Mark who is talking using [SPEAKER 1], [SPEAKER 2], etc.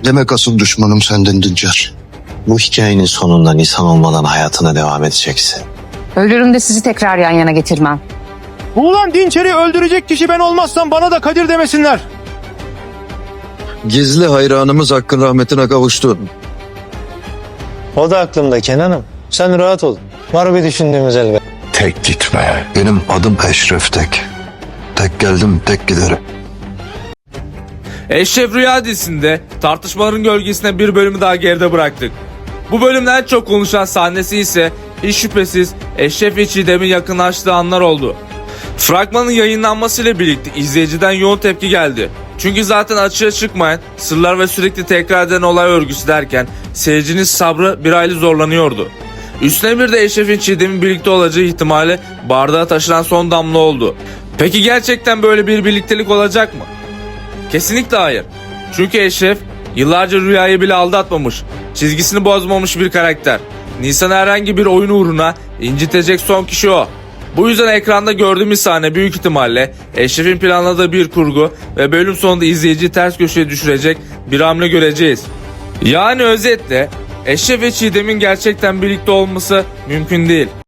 [SPEAKER 1] Demek asıl düşmanım sendin Dinçer.
[SPEAKER 2] Bu hikayenin sonunda Nisan olmadan hayatına devam edeceksin.
[SPEAKER 3] Ölürüm de sizi tekrar yan yana getirmem.
[SPEAKER 4] Ulan Dinçer'i öldürecek kişi ben olmazsam bana da Kadir demesinler.
[SPEAKER 1] Gizli hayranımız Hakk'ın rahmetine kavuştu.
[SPEAKER 5] O da aklımda Kenan'ım. Sen rahat ol. Var bir düşündüğümüz elbet.
[SPEAKER 6] Tek gitme.
[SPEAKER 1] Benim adım Eşref Tek. Tek geldim, tek giderim.
[SPEAKER 7] Eşref Rüya dizisinde tartışmaların gölgesine bir bölümü daha geride bıraktık. Bu bölümde en çok konuşulan sahnesi ise hiç şüphesiz Eşref ve Çiğdem'in yakınlaştığı anlar oldu. Fragmanın yayınlanmasıyla birlikte izleyiciden yoğun tepki geldi. Çünkü zaten açığa çıkmayan sırlar ve sürekli tekrar eden olay örgüsü derken seyircinin sabrı bir hayli zorlanıyordu. Üstüne bir de Eşref'in Çiğdem'in birlikte olacağı ihtimali bardağa taşıran son damla oldu. Peki gerçekten böyle bir birliktelik olacak mı? Kesinlikle hayır. Çünkü Eşref yıllarca Rüya'yı bile aldatmamış, çizgisini bozmamış bir karakter. Nisan'ı herhangi bir oyun uğruna incitecek son kişi o. Bu yüzden ekranda gördüğümüz sahne büyük ihtimalle Eşref'in planladığı bir kurgu ve bölüm sonunda izleyiciyi ters köşeye düşürecek bir hamle göreceğiz. Yani özetle Eşref ve Çiğdem'in gerçekten birlikte olması mümkün değil.